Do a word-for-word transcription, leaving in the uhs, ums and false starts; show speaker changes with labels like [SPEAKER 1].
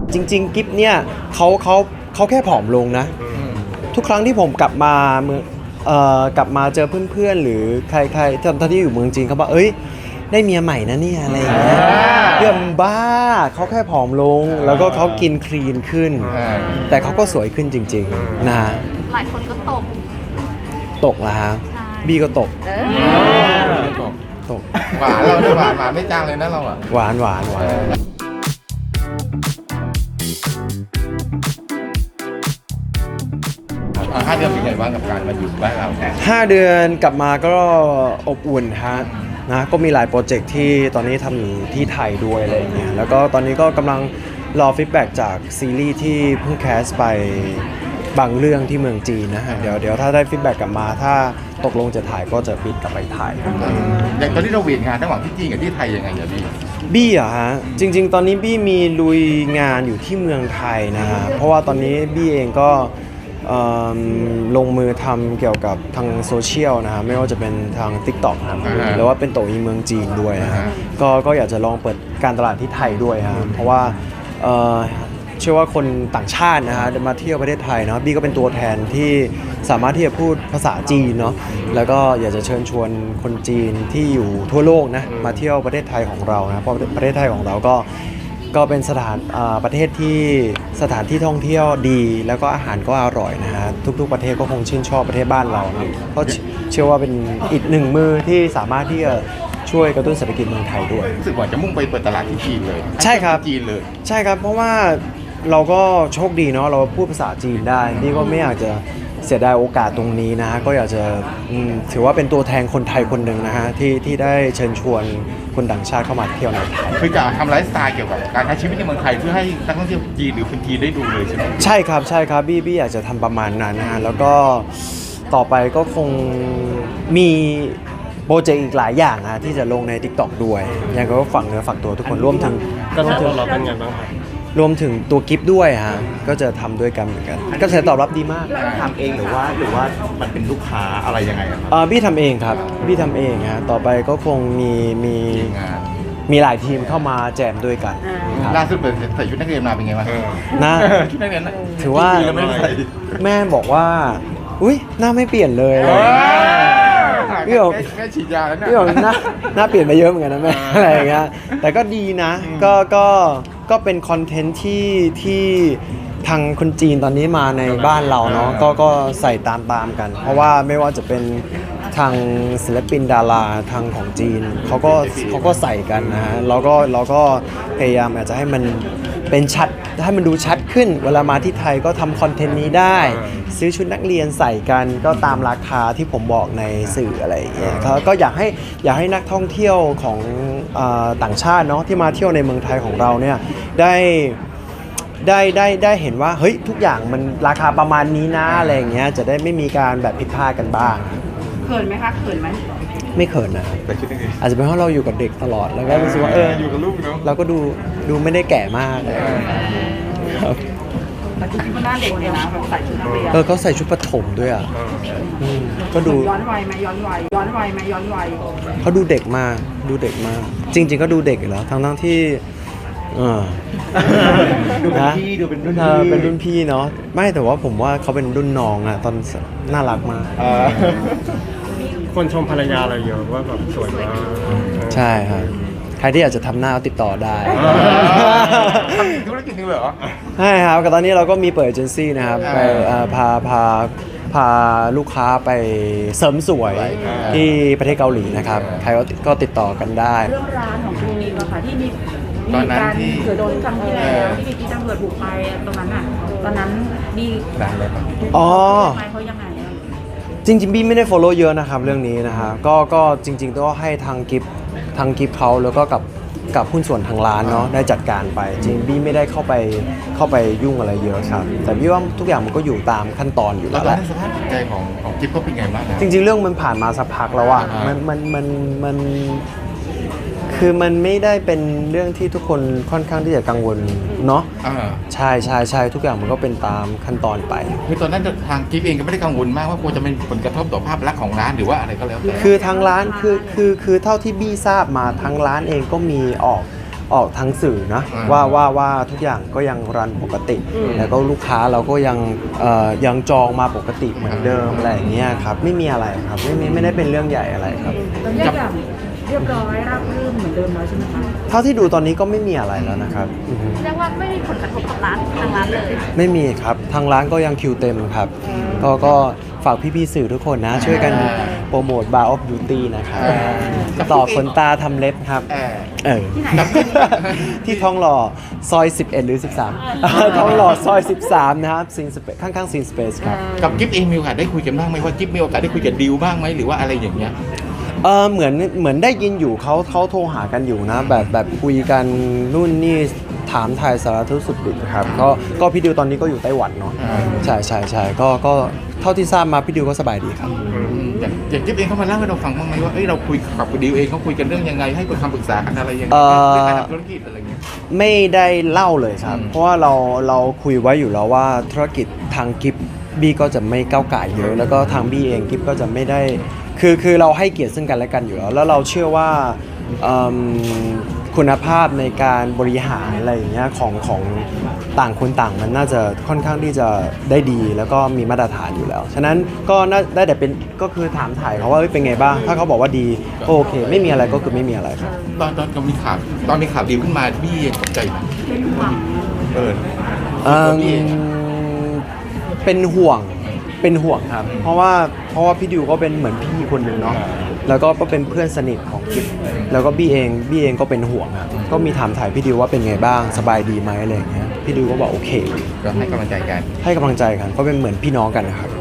[SPEAKER 1] จริงๆกิฟเนี่ยเขาเขาเขาแค่ผอมลงนะทุกครั้งที่ผมกลับมาเมืองเอ่อกลับมาเจอเพื่อนๆหรือใครๆตอนที่อยู่เมืองจีนเขาบอกเอ้ยได้เมียใหม่นะเนี่ยอะไรอย่างเงี้ยเรื่องบ้าเขาแค่ผอมลงแล้วก็เขากินคลีนขึ้นแต่เขาก็สวยขึ้นจริงๆนะ
[SPEAKER 2] หลายคนก็ตก
[SPEAKER 1] ตกแล้วฮะบี้ก็ตกตก
[SPEAKER 3] หวานเราเนี่ยหวานหวานไม่จางเลยนะเราอ่ะ
[SPEAKER 1] หวานหวานหวาน
[SPEAKER 3] ห้าเดือนเป็นไงบ้างกับการมาอยู่บ้านเราแทน
[SPEAKER 1] ห้าเดือนกลับมาก็อบอุ่นฮะนะก็มีหลายโปรเจกต์ที่ตอนนี้ทำอยู่ที่ไทยด้วยอะไรอย่างเงี้ยแล้วก็ตอนนี้ก็กำลังรอฟีดแบ็กจากซีรีส์ที่เพิ่งแคสไปบางเรื่องที่เมืองจีนนะฮะเดี๋ยวเดี๋ยวถ้าได้ฟีดแบ็กกลับมาถ้าตกลงจะถ่ายก็จะบินกลับไปถ่าย
[SPEAKER 3] อย่างตอนที่เราเวียนงานระหว่างที่จีนกับที่ไทยยังไงอย่าพี่
[SPEAKER 1] บี้อะฮะจริงๆ ตอนนี้บี้มีลุยงานอยู่ที่เมืองไทยนะฮะเพราะว่าตอนนี้บี้เองก็เอิ่มลงมือทำเกี่ยวกับทางโซเชียลนะฮะไม่ว่าจะเป็นทาง TikTok นะครับหรือว่าเป็นโตอีเมืองจีนด้วยนะฮะก็ก็อยากจะลองเปิดการตลาดที่ไทยด้วยฮะเพราะว่าเอ่อเชื่อว่าคนต่างชาตินะฮะมาเที่ยวประเทศไทยเนาะบี้ก็เป็นตัวแทนที่สามารถที่จะพูดภาษาจีนเนาะแล้วก็อยากจะเชิญชวนคนจีนที่อยู่ทั่วโลกนะมาเที่ยวประเทศไทยของเรานะเพราะประเทศไทยของเราก็ก็เป็นสถานประเทศที่สถานที่ท่องเที่ยวดีแล้วก็อาหารก็อร่อยนะฮะทุกๆประเทศก็คงชื่นชอบประเทศบ้านเรานะก็เชื่อว่าเป็นอีกหนึ่งมือที่สามารถที่จะช่วยกระตุ้นเศรษฐกิจเมืองไทยด้วย
[SPEAKER 3] รู้สึกว่าจะมุ่งไปเปิดตลาดที่จีนเลย
[SPEAKER 1] ใช่ครับ
[SPEAKER 3] จีนเลย
[SPEAKER 1] ใช่ครับเพราะว่าเราก็โชคดีเนาะเราพูดภาษาจีนได้นี่ก็ไม่อยากจะเสียดายโอกาสตรงนี้นะฮะก็อยากจะอืมถือว่าเป็นตัวแทนคนไทยคนหนึ่งนะฮะที่ที่ได้เชิญชวนคนต่างชาติเข้ามาเที่ยวในไทย
[SPEAKER 3] คือจะทำไลฟ์สไตล์เกี่ยวกับการใช้ชีวิตในเมืองไทยเพื่อให้นักท่องเที่ยวจีนหรือคนจีนได้ดูเลยใช่ไหม
[SPEAKER 1] ใช่ครับใช่ครับบี้บี้อยากจะทำประมาณนั้นนะฮะแล้วก็ต่อไปก็คงมีโปรเจกต์อีกหลายอย่างนะที่จะลงใน TikTok ด้วยยังไงก็ฝักเนื้อฝักตัวทุกคนร่วมถึง
[SPEAKER 4] กระแสตอบรับเป็นไงบ้างครับ
[SPEAKER 1] รวมถึงตัวกิฟต์ด้วยฮะก็จะทำด้วยกันเหมือนกันกระแสตอบรับดีมาก
[SPEAKER 5] ทำเองหรือว่าหรือว่ามันเป็นลูกค้าอะไรยังไงอะครับ
[SPEAKER 1] เอ่อบี้ทำเองครับบี้ทำเองฮะต่อไปก็คงมีมี
[SPEAKER 3] งาน
[SPEAKER 1] มีหลายทีมเข้ามาแจมด้วยกันครับ
[SPEAKER 3] ล่าสุดเปิดใส่ชุดนักเรียนมาเป็นไงบ้าง
[SPEAKER 1] นะ
[SPEAKER 3] ชุดนักเรียนนะ
[SPEAKER 1] ถือว่า
[SPEAKER 3] ปีแล้วไม่ได้ใส่
[SPEAKER 1] แม่บอกว่าอุ้ยหน้าไม่เปลี่ยนเลยอะไรอย่างเงี้ย พี่บอก
[SPEAKER 3] แม่ฉีดยาแล้วเนี่ย
[SPEAKER 1] พี่บอกหน้าหน้าเปลี่ยนไปเยอะเหมือนกันนะแม่ อะไรอย่างเงี้ยแต่ก็ดีนะก็ก็ก็เป็นคอนเทนต์ที่ที่ทางคนจีนตอนนี้มาในบ้านเราเนาะก็ก็ใส่ตามตามๆกัน เพราะว่าไม่ว่าจะเป็นทางศิลปินดาราทางของจีนเขาก็เขาก็ใส่กันนะฮะเราก็เราก็พยายามอาจจะให้มันเป็นชัดให้มันดูชัดขึ้น เวลามาที่ไทยก็ทำคอนเทนต์นี้ได้ ซื้อชุดนักเรียนใส่กันก็ตามราคาที่ผมบอกในสื่ออะไรอย่างเงี้ยก็ก็อยากให้อยากให้นักท่องเที่ยวของเออต่างชาติเนาะที่มาเที่ยวในเมืองไทยของเราเนี่ยได้ได้ได้ได้เห็นว่าเฮ้ยทุกอย่างมันราคาประมาณนี้นะอะไรอย่างเงี้ยจะได้ไม่มีการแบบผิดพลาดกันบ้าง
[SPEAKER 2] เขินไหมคะเขินไหม
[SPEAKER 1] ไม่เขินนะครับ
[SPEAKER 3] แต่ชุดนักเรียน
[SPEAKER 1] อาจจะเป็นเพราะเราอยู่กับเด็กตลอดแล้วก็รู้สึกว่าเออ
[SPEAKER 3] อยู่กับลูกเนาะ
[SPEAKER 1] เราก็ดูดูไม่ได้แก่มากเลยครับ
[SPEAKER 2] แต่จริงๆก็หน้าเด็กเลยนะแบบใส่ชุดนักเรียน
[SPEAKER 1] เออเขาใส่ชุดประถมด้วยอ่ะมก็ดู
[SPEAKER 2] ย้อนวัยไหมย้อนวัยย้อนวัยไหมย้อนวัย
[SPEAKER 1] เขาดูเด็กมากดูเด็กมาก จริง ๆ ก็ดูเด็กอยู่แล้วทั้งทั้งๆที่เออ
[SPEAKER 5] ดูเป็น
[SPEAKER 1] นะ
[SPEAKER 5] พี่ดูเป็นรุ่น
[SPEAKER 1] เออ
[SPEAKER 5] พี่
[SPEAKER 1] เป็นรุ่นพี่เนาะไม่แต่ว่าผมว่าเขาเป็นรุ่นน้องอะตอนน่ารักมาก
[SPEAKER 5] เออ
[SPEAKER 4] คนชมภรรยาเราเยอะว่าแบบสวยมาก
[SPEAKER 1] ใช่ครับใครที่อยากจะทำหน้าก็ติดต่อได้
[SPEAKER 3] ทำธุรกิจนึงเหรอ
[SPEAKER 1] ใช่ครับก็ตอนนี้เราก็มีเปิดเอเจนซี่นะครับไปเอ่อพาพาพาลูกค้าไปเสริมสวยที่ประเทศเกาหลีนะครับใครก็ก็ติดต่อกันได้
[SPEAKER 2] เรื่องร้านของคุณนิวอะค่ะที่มี
[SPEAKER 3] ตอนนั้นที่
[SPEAKER 2] เสือโดนครั้งที่แล้วที่มีตำรวจบุกไปตรงนั้นอ่ะตอนนั้นมี
[SPEAKER 3] ดังเลยครับ
[SPEAKER 1] อ๋อ
[SPEAKER 2] ไปเขายังไงอะ
[SPEAKER 1] จริงๆบี้ไม่ได้ follow เยอะนะครับเรื่องนี้นะฮะก็ก็จริงๆต้องให้ทางกิฟทางกิฟเขาแล้วก็กับกับหุ้นส่วนทางร้านเนาะได้จัดการไป จริงบี้ไม่ได้เข้าไปเข้าไปยุ่งอะไรเยอะครับแต่บี้ว่าทุกอย่างมันก็อยู่ตามขั้นตอนอยู่
[SPEAKER 3] แล้
[SPEAKER 1] แล้ว ว
[SPEAKER 3] ต
[SPEAKER 1] แห
[SPEAKER 3] อน
[SPEAKER 1] ละ
[SPEAKER 3] นั้นสภาพจิตใจของของจิ๊บเขาเป็นไงบ้างนะ
[SPEAKER 1] จริงๆเรื่องมันผ่านมาสักพักแล้วอะ
[SPEAKER 3] อ่ามั
[SPEAKER 1] มันมันมันมันคือมันไม่ได้เป็นเรื่องที่ทุกคนค่อนข้างที่จะกังวลเนาะ
[SPEAKER 3] อ่า
[SPEAKER 1] ใช่ใช่ใช่ทุกอย่างมันก็เป็นตามขั้นตอนไป
[SPEAKER 3] คือตอนนั้นทางจิ๊บเองก็ไม่ได้กังวลมากว่ากลัวจะเป็นผลกระทบต่อภาพลักษณ์ของร้านหรือว่าอะไรก็แล้วแต่
[SPEAKER 1] คือทางร้านคือคือคือเท่าที่บี้ทราบมาทางร้านเองก็มีออกออกทางสื่อนะว่าว่าว่าทุกอย่างก็ยังรันปกติ แล้วก็ลูกค้าเราก็ยังเอ่อยังจองมาปกติเหมือนเดิมอะไรอย่างเงี้ยครับไม่มีอะไรครับไม่ไม่ไม่ได้เป็นเรื่องใหญ่อะไรครับ
[SPEAKER 2] ตอนนี้ทุกอย่างเรียบร้อยราบรื่นเหมือนเดิมแล้วใช่ไหมคะ
[SPEAKER 1] เท่าที่ดูตอนนี้ก็ไม่มีอะไรแล้วนะครับอือฮึ
[SPEAKER 6] เรียกว่าไม่มีผลกระทบกับร้านทางร้านเลย
[SPEAKER 1] ไม่มีครับทางร้านก็ยังคิวเต็มครับก็ก็ฝากพี่ๆสื่อทุกคนนะ ช่วยกันโปรโมท Bar of Beauty นะครับต่อขนตาทำเล็บครับ
[SPEAKER 3] เออ
[SPEAKER 1] เออ ที่ท้องหล่อซอย สิบเอ็ด หรือ สิบสาม ท้องหล่อซอย สิบสาม นะครับซีนสเปซข้างๆซีนสเปซครับ
[SPEAKER 3] กับกิฟต์เองมีโอกาสได้คุยกันบ้างไหมว่ากิฟต์มีโอกาสได้คุยกับดิวบ้างไหมหรือว่าอะไรอย่างเงี้ย
[SPEAKER 1] เออเหมือนเหมือนได้ยินอยู่เขาเขาโทรหากันอยู่นะ แบบแบบคุยกันนู่นนี่ถามถ่ายสารทุกข์สุขดิบครับก็ก็พี่ดิวตอนนี้ก็อยู่ไต้หวันเนาะ
[SPEAKER 3] อ่า
[SPEAKER 1] ใช่ใช่ใช่ก็ก็เท่าที่ทราบมาพี่ดิวก็สบายดีครับ
[SPEAKER 3] อย่างอย่างกิฟต์เองเขามาเล่าให้เราฟังบ้างไหมว่าเอ้ยเราคุยกับดิวเองเขาคุยกันเรื่องยังไงให้คำปรึกษากันอะไรยังไง
[SPEAKER 1] เอ่อ
[SPEAKER 3] เรื่องการทำธุรกิจอะไรเงี้ย
[SPEAKER 1] ไม่ได้เล่าเลยครับ
[SPEAKER 3] อืม
[SPEAKER 1] เพราะว่าเราเราคุยไว้อยู่แล้วว่าธุรกิจทางกิฟบี้ก็จะไม่ก้าวไก่ายเยอะ แล้วก็ทางบี้เองกิฟก็จะไม่ได้คือคือเราให้เกียรติซึ่งกันและกันอยู่แล้ว แล้วเราเชื่อว่าเอิ่มคุณภาพในการบริหารอะไรอย่างเงี้ยของของต่างคนต่างมันน่าจะค่อนข้างที่จะได้ดีแล้วก็มีมาตรฐานอยู่แล้ว ฉะนั้นก็น่าได้แต่เป็นก็คือถามถ่ายเขาว่าเอ้ยเป็นไงบ้าง ถ้าเขาบอกว่าดีก็โอเค ไม่มีอะไรก็คือไม่มีอะไรครับ
[SPEAKER 3] ตอนตอนมีข่าวตอนมีข่าวดิวขึ้นมาพี่เองตกใจไหมเออ
[SPEAKER 1] เอิ่ม
[SPEAKER 3] พี่เอง
[SPEAKER 1] เป็นห่วง เป็นห่วงครับ เพราะว่าเพราะว่าพี่ดิวก็เป็นเหมือนพี่คนหนึ่งเนาะ แล้วก็ก็เป็นเพื่อนสนิทของกิฟแล้วก็บี้เองบี้เองก็เป็นห่วงครับ ก็มีถามถ่ายพี่ดิวว่าเป็นไงบ้าง สบายดีไหมอะไรอย่างเงี้ย พี่ดิวก็บอกโอเค
[SPEAKER 3] ก็ให้กำลังใจกัน
[SPEAKER 1] ให้กำลังใจกันก็เป็นเหมือนพี่น้องกันนะครับ